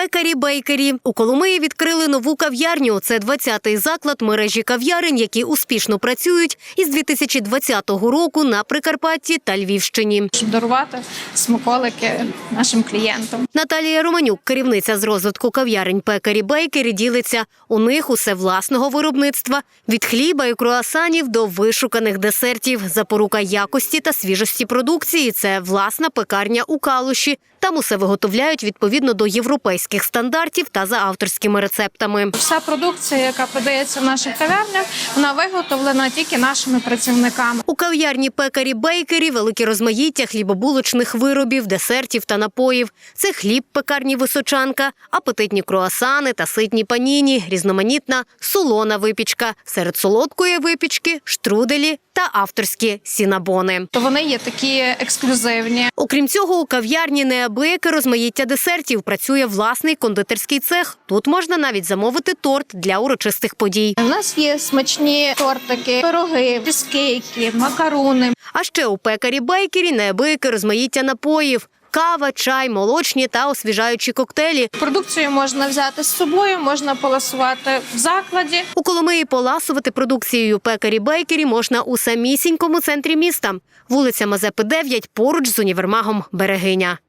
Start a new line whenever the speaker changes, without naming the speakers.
Пекарі-бейкері. У Коломиї відкрили нову кав'ярню. Це 20-й заклад мережі кав'ярень, які успішно працюють із 2020 року на Прикарпатті та Львівщині.
Щоб дарувати смаколики нашим клієнтам.
Наталія Романюк, керівниця з розвитку кав'ярень Пекарі-бейкері, ділиться. У них усе власного виробництва. Від хліба і круасанів до вишуканих десертів. Запорука якості та свіжості продукції – це власна пекарня у Калуші. Там усе виготовляють відповідно до європейських стандартів та за авторськими рецептами.
Вся продукція, яка продається в наших кав'ярнях, вона виготовлена тільки нашими працівниками.
У кав'ярні Пекарі-бейкері велике розмаїття хлібобулочних виробів, десертів та напоїв. Це хліб пекарні «Височанка», апетитні круасани та ситні паніні, різноманітна солона випічка. Серед солодкої випічки – штруделі та авторські сінабони.
То вони є такі ексклюзивні.
Окрім цього, у кав'ярні неабияке розмаїття десертів. Працює власний кондитерський цех. Тут можна навіть замовити торт для урочистих подій.
У нас є смачні тортики, пироги, чизкейки, макаруни.
А ще у Пекарі-бейкері неабияке розмаїття напоїв. Кава, чай, молочні та освіжаючі коктейлі.
Продукцію можна взяти з собою, можна поласувати в закладі.
У Коломиї поласувати продукцією Пекарі-бейкері можна у самісінькому центрі міста. Вулиця Мазепи, 9, поруч з універмагом «Берегиня».